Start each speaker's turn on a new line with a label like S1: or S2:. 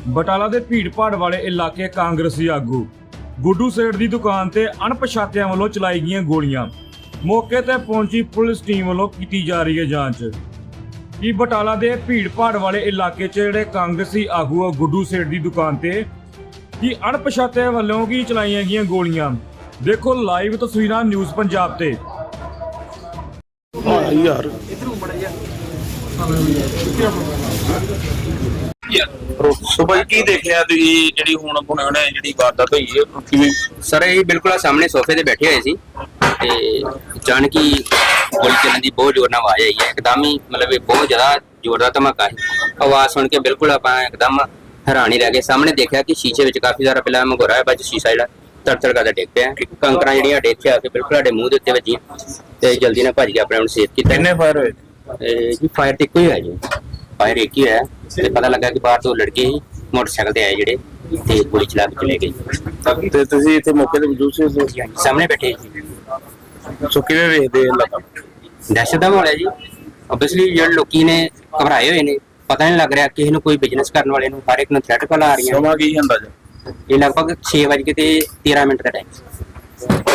S1: ਬਟਾਲਾ ਦੇ ਭੀੜ-ਭਾੜ ਵਾਲੇ ਇਲਾਕੇ ਕਾਂਗਰਸੀ ਆਗੂ ਗੁੱਡੂ ਸੇਠ ਦੀ ਦੁਕਾਨ ਤੇ ਅਣਪਛਾਤਿਆਂ ਵੱਲੋਂ ਚਲਾਈ ਗਈਆਂ ਗੋਲੀਆਂ। ਮੌਕੇ ਤੇ ਪਹੁੰਚੀ ਪੁਲਿਸ ਟੀਮ ਵੱਲੋਂ ਕੀਤੀ ਜਾ ਰਹੀ ਹੈ ਜਾਂਚ ਕਿ ਬਟਾਲਾ ਦੇ ਭੀੜ-ਭਾੜ ਵਾਲੇ ਇਲਾਕੇ 'ਚ ਜਿਹੜੇ ਕਾਂਗਰਸੀ ਆਗੂ ਗੁੱਡੂ ਸੇਠ ਦੀ ਦੁਕਾਨ ਤੇ ਕਿ ਅਣਪਛਾਤਿਆਂ ਵੱਲੋਂ ਕੀ ਚਲਾਈਆਂ ਗਈਆਂ ਗੋਲੀਆਂ। ਦੇਖੋ ਲਾਈਵ ਤਸਵੀਰਾਂ ਨਿਊਜ਼ ਪੰਜਾਬ ਤੇ।
S2: ਯਾਰ ਸੁਭਾ ਕੀ ਦੇਖਿਆ ਤੁਸੀਂ ਜਿਹੜੀ ਹੁਣ ਹੁਣੇ ਜਿਹੜੀ ਵਾਰਦਾਤ ਹੋਈ ਹੈ ਕਿਵੇਂ?
S3: ਸਰ ਇਹ ਬਿਲਕੁਲ ਸਾਹਮਣੇ ਸੋਫੇ ਤੇ ਬੈਠੇ ਹੋਏ ਸੀ ਤੇ ਅਚਾਨਕ ਹੀ ਗੋਲੀ ਚੱਲਣ ਦੀ ਬਹੁਤ ਜ਼ੋਰ ਨਾਲ ਆਵਾਜ਼ ਆਈ ਹੈ। ਇੱਕਦਮ ਹੀ ਮਤਲਬ ਇਹ ਬਹੁਤ ਜ਼ਿਆਦਾ ਜ਼ੋਰ ਦਾ ਧਮਾਕਾ ਸੀ। ਆਵਾਜ਼ ਸੁਣ ਕੇ ਬਿਲਕੁਲ ਆਪਾਂ ਇੱਕਦਮ ਹੈਰਾਨ ਹੀ ਰਹਿ ਗਏ। ਸਾਹਮਣੇ ਦੇਖਿਆ ਕਿ ਸ਼ੀਸ਼ੇ ਵਿੱਚ ਕਾਫੀ ਸਾਰਾ ਪਹਿਲਾਂ ਮਗੋਰਾ ਹੈ, ਬਾਅਦ ਸ਼ੀਸ਼ਾ ਜਿਹੜਾ ਤੜ-ਤੜ ਕਰਦਾ ਡਿੱਗ ਪਿਆ। ਕੰਕਰਾਂ ਜਿਹੜੀਆਂ ਡੇਕ ਆ ਕੇ ਬਿਲਕੁਲ ਸਾਡੇ ਮੂੰਹ ਦੇ ਉੱਤੇ ਵੱਜੀਆਂ ਤੇ ਜਲਦੀ ਨਾਲ ਭੱਜ ਕੇ ਆਪਣੇ ਆਪ ਨੂੰ ਸੇਫ ਕੀਤਾ।
S2: ਕਿੰਨੇ ਫਾਇਰ ਹੋਏ?
S3: ਜੀ ਫਾਇਰ ਤੇ ਇੱਕੋ ਹੀ ਹੋਇਆ ਜੀ, ਫਾਇਰ ਇੱਕ ਹੀ ਹੋਇਆ ਤੇ ਪਤਾ ਲੱਗਾ ਕਿ ਬਾਹਰ ਤੋਂ ਲੜਕੇ ਹੀ ਮੋਟਰਸਾਈਕਲ ਤੇ ਆਏ ਜਿਹੜੇ ਤੇ ਗੋਲੀ ਚਲਾ ਕੇ ਚਲੇ ਗਏ।
S2: ਤੇ ਤੁਸੀਂ ਇੱਥੇ ਮੌਕੇ ਤੇ ਮੌਜੂਦ ਸੀ?
S3: ਸਾਹਮਣੇ ਬੈਠੇ ਸੀ।
S2: ਸੋ ਕਿਵੇਂ ਵੇਖਦੇ ਇਲਾਕਾ?
S3: ਦਹਿਸ਼ਤ ਦਾ ਮਾਹੌਲ ਹੈ ਜੀ। ਓਬਵੀਅਸਲੀ ਜਿਹੜੇ ਲੋਕੀ ਨੇ ਘਬਰਾਏ ਹੋਏ ਨੇ, ਪਤਾ ਨਹੀਂ ਲੱਗ ਰਿਹਾ ਕਿਸੇ ਨੂੰ, ਕੋਈ ਬਿਜ਼ਨਸ ਕਰਨ ਵਾਲੇ ਨੂੰ, ਹਰ ਇੱਕ ਨੂੰ ਥ੍ਰੈਟ ਕਾਲ ਆ ਰਹੀਆਂ।
S2: ਸਮਾਂ ਕੀ ਹੁੰਦਾ ਜੀ?
S3: ਇਹ ਲਗਭਗ 6:13 ਦਾ ਟਾਈਮ।